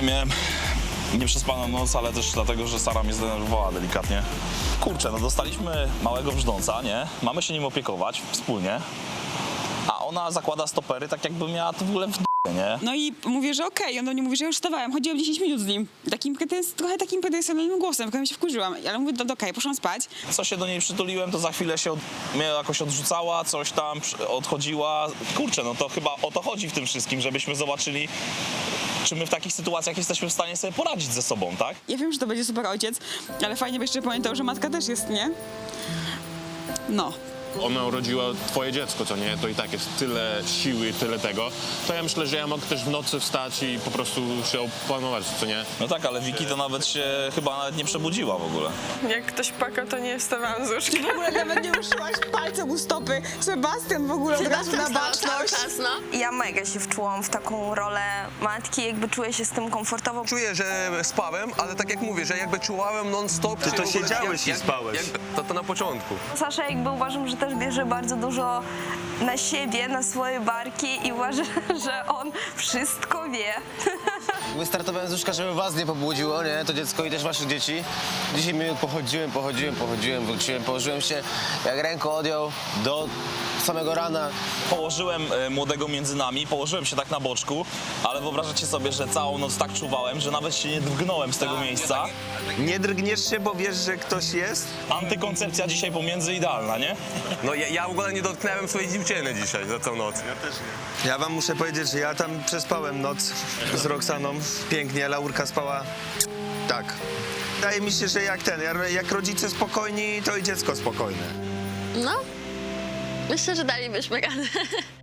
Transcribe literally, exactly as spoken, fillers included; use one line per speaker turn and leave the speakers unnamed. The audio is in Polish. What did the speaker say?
Miałem nieprzespaną noc, ale też dlatego, że Sara mnie zdenerwowała delikatnie. Kurczę, no dostaliśmy małego brzdąca, nie? Mamy się nim opiekować wspólnie, a ona zakłada stopery tak jakby miała to w ogóle w d***e, nie?
No i mówię, że okej, on do mnie mówi, że już wstawałem, chodziłam dziesięć minut z nim. Takim pretens- trochę takim pretensjonalnym głosem, trochę się wkurzyłam, ale mówię, do, do okej, poszłam spać.
Co się do niej przytuliłem, to za chwilę się od, mnie jakoś odrzucała, coś tam przy- odchodziła. Kurczę, no to chyba o to chodzi w tym wszystkim, żebyśmy zobaczyli, czy my w takich sytuacjach jesteśmy w stanie sobie poradzić ze sobą, tak?
Ja wiem, że to będzie super ojciec, ale fajnie by jeszcze pamiętał, że matka też jest, nie? No.
Ona urodziła twoje dziecko, co nie? To i tak jest tyle siły, tyle tego. To ja myślę, że ja mogę też w nocy wstać i po prostu się opanować, co nie?
No tak, ale Wiki to nawet się chyba nawet nie przebudziła w ogóle.
Jak ktoś płakał, to nie wstawałam z łóżka.
W ogóle nawet nie ruszyłaś palcem u stopy. Sebastian w ogóle od razu na baczność.
Ja mega się wczułam w taką rolę matki, jakby czuję się z tym komfortowo.
Czuję, że spałem, ale tak jak mówię, że jakby czułałem non-stop.
Ty to
w ogóle-
siedziałeś i
jak-
spałeś.
Jak, to, to na początku.
Sasza jakby uważam, że też bierze bardzo dużo na siebie, na swoje barki i uważam, że on wszystko wie.
Wystartowałem z łóżka, żeby was nie pobudziło, nie? To dziecko i też waszych dzieci. dziesięć minut pochodziłem, pochodziłem, pochodziłem, wróciłem, położyłem się, jak ręką odjął do samego rana.
Położyłem e, młodego między nami, położyłem się tak na boczku, ale wyobrażacie sobie, że całą noc tak czuwałem, że nawet się nie drgnąłem z tego miejsca.
Nie drgniesz się, bo wiesz, że ktoś jest?
Antykoncepcja dzisiaj pomiędzy idealna, nie?
No ja, ja w ogóle nie dotknąłem swojej dziewczyny dzisiaj za całą noc.
Ja wam muszę powiedzieć, że ja tam przespałem noc z Roxaną. Pięknie, Laurka spała tak. Wydaje mi się, że jak ten, jak rodzice spokojni, to i dziecko spokojne.
No, myślę, że dalibyśmy radę.